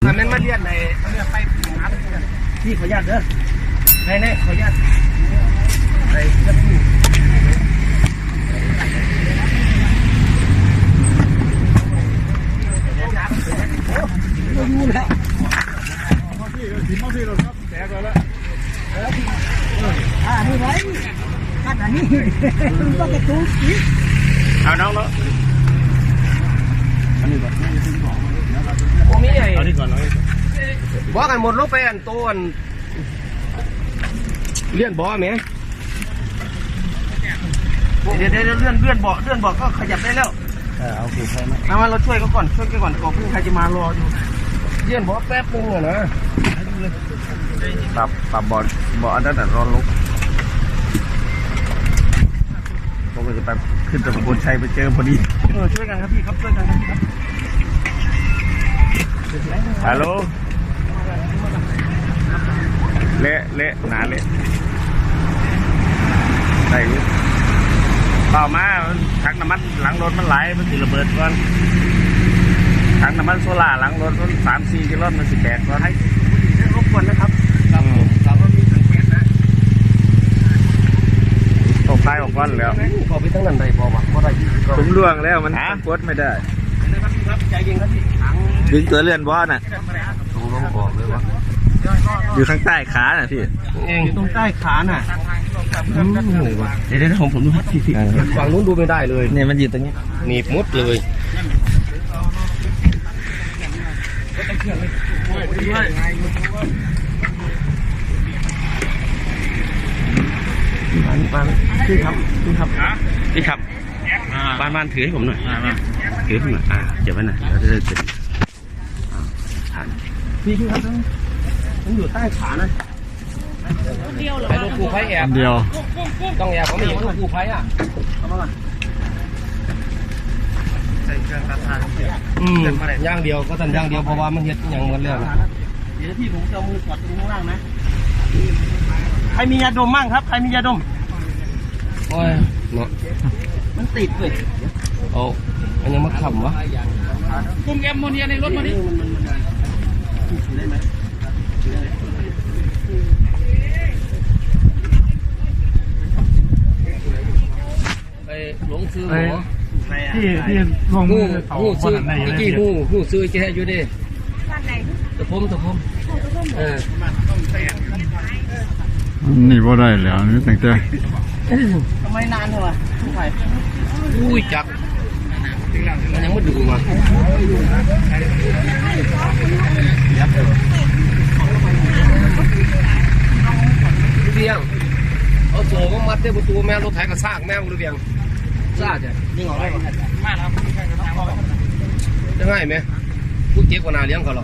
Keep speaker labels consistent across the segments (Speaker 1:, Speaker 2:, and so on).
Speaker 1: แต่มันมาเรียนในไปหาพี่ขออนุญาตเด้อในขออนุญาตในจะพูดดูแล้วที่เราครับแตกแล้วนี่ไว้ขัดอันนี้ต้องกระตุ้นเอาน้องแล้วอันนี้ก่อนโอ้มีไงเอานี่ก่อนเลยบอกกันหมดลงไปอันโตอันเลื่อนบ่อไหมเดี๋ยวเลื่อนบ่อก็ขยับได้แล้วเอาคือใครไหมเอามาเราช่วยเขาก่อนก่อนเพื่อใครจะมารออยู่เลื่อนบ่อแป๊บนึงนะปรับบ่ออันนั้นร้อนลุกผมก็จะไปขึ้นจากบนชัยไปเจอพอดีช่วยกันครับพี่ครับช่วยกันครับฮัลโหลเละหนาเละใส่เปล่ามาถังน้ำมันหลังรถมันไหลมันสิระเบิดก่อนถังน้ำมันโซล่าหลังรถมัน3-4 กิโลมันสิแตกก่อนให้รบกวนนะครับครับว่ามีถังแก๊สนะตกท้ายออกก้อนแล้วพอไปตั้งนั้นได้พอวะพอได้ผมล่วงแล้วมันกดไม่ได้ใจเย็นครับพี่ดึงตัวเลื่อนบอสน่ะต้องลงออกเลยวะอยู่ข้างใต้ขาน่ะพี่อยู่ตรงใต้ขาน่ะเดี๋ยวผมดูพี่ฝั่งนู้นดูไม่ได้เลยเนี่ยมันอยู่ตรงนี้หนีบมุดเลยพี่ครับบ้านถือให้ผมหน่อยถือให้ผมหน่อยเจ็บไว้หน่อยแล้วจะได้เป็นฐานพี่ครับมันอยู่ใต้ขานะเดียวเหรอไอ้ลูกกูไฟแอบเดียวต้องแอบเขาไม่เห็นลูกกูไฟเอามาใส่เครื่องตัดทางย่างเดียวก็ตันย่างเดียวเพราะว่ามันเห็ดอย่างเหมือนเรื่องเดี๋ยวพี่ผมจะเอามือกดตรงข้างล่างนะใครมียาดมมั่งครับใครมียาดมโอ้ยเนาะมันติดเลยโอ้อันยังมาขำวะคุมแอมโมเนียในรถมาดิได้ไหมไปหลงซื้อหัวที่ลงงูซื้อกี่งูซื้อแกอยู่ดิตะพม
Speaker 2: นี่บ่ได้แล้วนี่ตั้งแต่
Speaker 1: ทำไมนานเถอะอุ้ยจับมันยังไม่ดูมาเบียงเอาโซ่ก็มัดได้ประตูแม่รถไถกระซากแม่หรือเบียงซากจ้ะนี่ออกได้ไหมมาแล้วจะง่ายไหมผู้เก็บกว่านาเลี้ยงเขาหรอ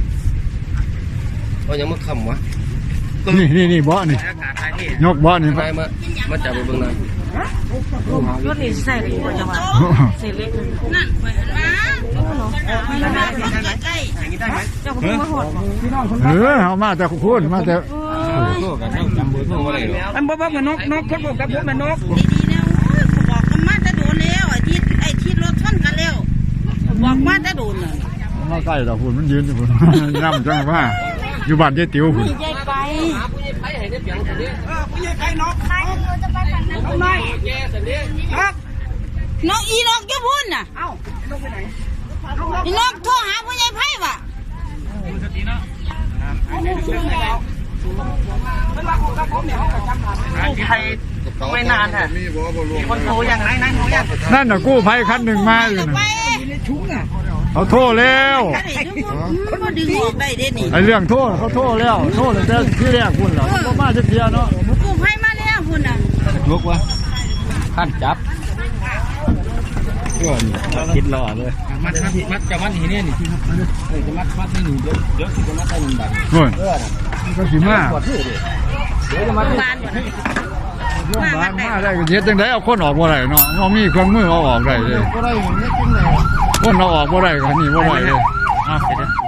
Speaker 1: เขายังไม่คำวะ
Speaker 2: นี่บ่อนี่ยกบ่อนี่
Speaker 1: มาจับไปเบื้องหน้ารถนี่ใส่เลยกว่าจะมาใส่เล็กนั่นไป
Speaker 2: เอามาแต่พูดมาแต่
Speaker 1: อันบ่เหมือนนกคนบอกกับผมเหมือนนก
Speaker 3: ดีๆนะบอกกันมาจะโดนแล้วไอ้ที่รถชนกันแล้วบอกมาจะโดนเลย
Speaker 2: มาใกล้เราพูดมันยืนอยู่พูดย่ำจังว่าอยู่บ้านเจ๊ติ๋วพูด
Speaker 3: ผู้ใหญ่ไป
Speaker 1: ผู้ใหญ่ไปนกใครจะไปฝั่งนั้นน
Speaker 3: กอีนกจะพูดน่ะ
Speaker 1: เอ้านกไปไหน
Speaker 3: อีนกโทรหาผู้ใหญ่ไพ่ว่ะ
Speaker 1: ใครไม่นานฮะคนโทรอย่างไหน
Speaker 2: นั่นน่ะกู้ภัยคันหนึ่งมาอยู่นะเขาโทษแล้วไอ้เรื่องโทษเขาโทษแล้วโทษแต่ที่แรกคุณเหรอก็มาจะเทียเนาะ
Speaker 3: กู้ภัยมาแล้วคุณน่ะ
Speaker 1: ลุกวะขั้นจับคิดรอเลยมัดจะมัดนี่นี่ที่จะมัดให้หนึ่งเดี๋ยวจะมัดให้หนึ่งแบบ
Speaker 2: ก็สิมา
Speaker 1: เดี๋ยวจะมัด
Speaker 3: บ้าน
Speaker 2: มาได้เย็ดจังไดเอาคนออกบ่ได้เนาะเรามีเครื่องมือเอาออกได้เลย
Speaker 1: ก็ได้อย่างนี้จริงเลย
Speaker 2: คนเราออกบ่ได้กันนี่บ่ได้เลย